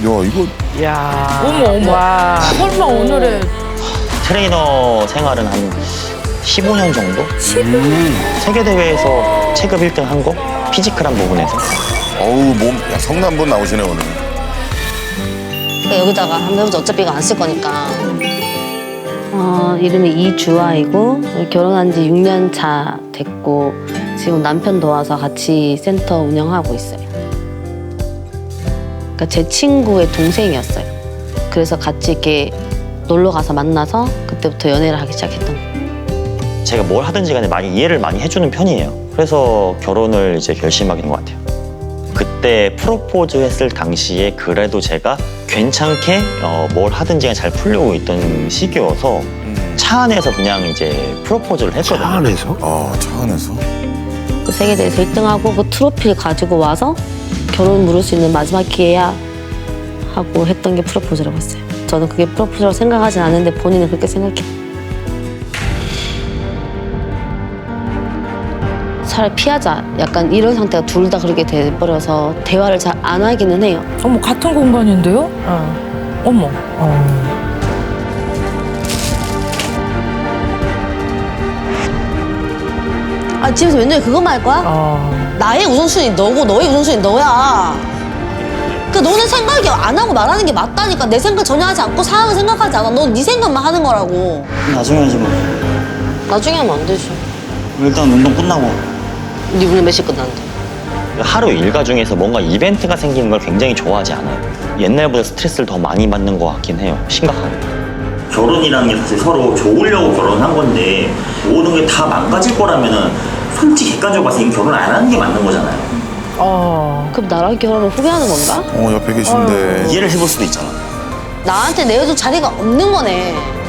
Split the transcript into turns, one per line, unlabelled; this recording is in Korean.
이거
야.
어머 어머.
와.
설마 오늘의
트레이너 생활은 한 15년 정도? 세계대회에서 체급 1등 한 거? 피지컬한 부분에서.
야, 성남 한번 나오시네 오늘.
그러니까 여기다가 한번 해보자. 어차피 이거 안 쓸 거니까. 이름이 이주아이고 결혼한 지 6년 차 됐고 지금 남편 도와서 같이 센터 운영하고 있어요. 그러니까 제 친구의 동생이었어요. 그래서 같이 이렇게 놀러 가서 만나서 그때부터 연애를 하기 시작했던 거예요.
제가 뭘 하든지 간에 많이 이해를 많이 해주는 편이에요. 그래서 결혼을 이제 결심하게 된 것 같아요. 그때 프로포즈 했을 당시에 그래도 제가 괜찮게 뭘 하든지 간에 잘 풀려고 있던 시기여서 차 안에서 그냥 이제 프로포즈를 했거든요.
차 안에서?
차 안에서?
그 세계대회에서 1등하고 그 트로피를 가지고 와서 결혼 물을 수 있는 마지막 기회야 하고 했던 게 프로포즈라고 했어요. 저는 그게 프로포즈라고 생각하진 않는데 본인은 그렇게 생각해요. 차라리 피하자. 약간 이런 상태가 둘 다 그렇게 돼버려서 대화를 잘 안 하기는 해요.
어머 같은 공간인데요? 어머.
집에서 웬일에 그것만 할 거야? 나의 우선순위 너고 너의 우선순위 너야. 그 너는 생각이 안 하고 말하는 게 맞다니까. 내 생각 전혀 하지 않고 상황을 생각하지 않아. 넌 네 생각만 하는 거라고.
나중에 하지 뭐.
나중에 하면 안 되지.
일단 운동 끝나고.
네 오늘 몇 시 끝났는데?
하루 일과 중에서 뭔가 이벤트가 생기는 걸 굉장히 좋아하지 않아요. 옛날보다 스트레스를 더 많이 받는 것 같긴 해요. 심각하게. 결혼이라는 게 사실 서로 좋으려고 결혼한 건데 모든 게 다 망가질 거라면은 솔직히 객관적으로 봐서 이미 결혼 안 하는 게 맞는 거잖아요.
그럼 나랑 결혼을 후회하는 건가?
옆에 계신데.
이해를 해볼 수도 있잖아.
나한테 내어줄 자리가 없는 거네.